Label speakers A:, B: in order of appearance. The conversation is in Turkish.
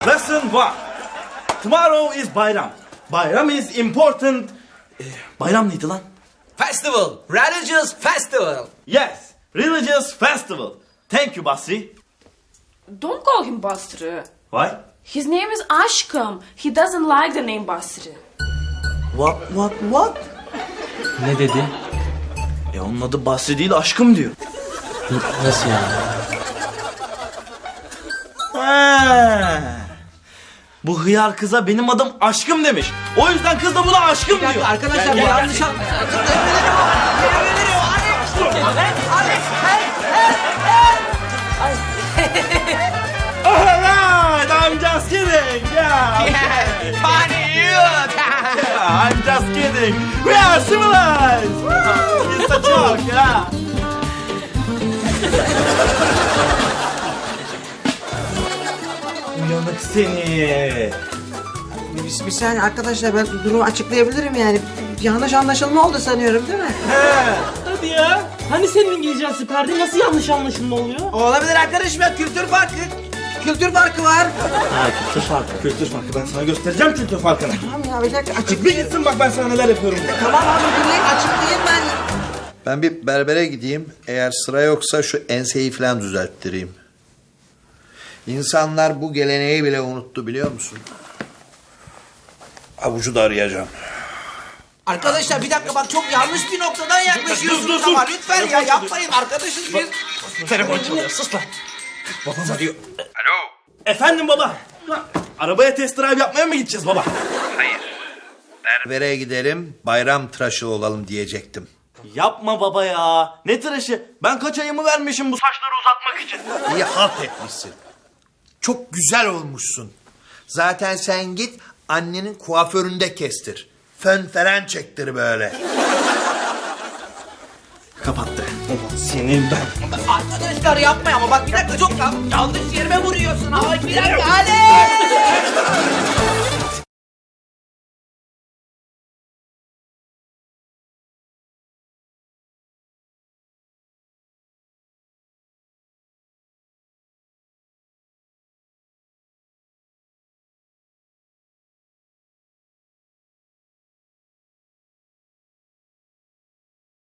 A: Lesson 1. Tomorrow is Bayram. Bayram is important. Bayram neydi lan?
B: Festival. Religious festival.
A: Yes, religious festival. Thank you, Basri.
C: Don't call him Basri.
A: Why?
C: His name is Ashkam. He doesn't like the name Basri.
A: What?
D: Ne dedi?
A: Onun adı Basri değil, aşkım diyor.
D: Nasıl yani?
A: Ha. Bu hıyar kıza benim adım aşkım demiş. O yüzden kız da buna aşkım diyor.
B: Arkadaşlar bu yanlış
A: Alright, I'm just kidding. Yeah. I'm just kidding. We are civilized. It's a joke, yeah. Uyanık seni.
E: Bir saniye arkadaşlar, ben durumu açıklayabilirim yani. Yanlış anlaşılma oldu sanıyorum, değil mi?
D: Hadi ya. Hani senin İngilizcen süperdi, nasıl yanlış anlaşılma oluyor?
E: Olabilir arkadaşım ya, kültür farkı. Kültür farkı var.
A: Ha, kültür farkı. Kültür farkı. Ben sana göstereceğim kültür farkını.
E: Tamam ya, bir dakika
A: Bir
E: açıklayayım.
A: gitsin bak ben sana neler yapıyorum.
E: Tamam abi, dinleyin, açıklayayım ben.
F: Ben bir berbere gideyim. Eğer sıra yoksa şu enseyi falan düzelttireyim. İnsanlar bu geleneği bile unuttu, biliyor musun? Avucu da arayacağım.
B: Arkadaşlar bir dakika, bak çok yanlış bir noktadan yaklaşıyorsunuz ama lütfen ya yapmayın arkadaşız biz.
A: Telefon çalıyor. Sus lan. Babam arıyor. Alo. Efendim baba. Arabaya test drive yapmaya mı gideceğiz baba?
F: Berbere gidelim, bayram tıraşı olalım diyecektim.
A: Yapma baba ya. Ne tıraşı? Ben kaç ayımı vermişim bu saçları uzatmak için.
F: İyi halt etmişsin. Çok güzel olmuşsun. Zaten sen git annenin kuaföründe kestir. Fön falan çektir böyle.
A: Kapattı. Ulan senin ben.
B: Arkadaşlar yapmayın ama bak bir dakika, çok yanlış yerime vuruyorsun. Ay bir dakika hadi.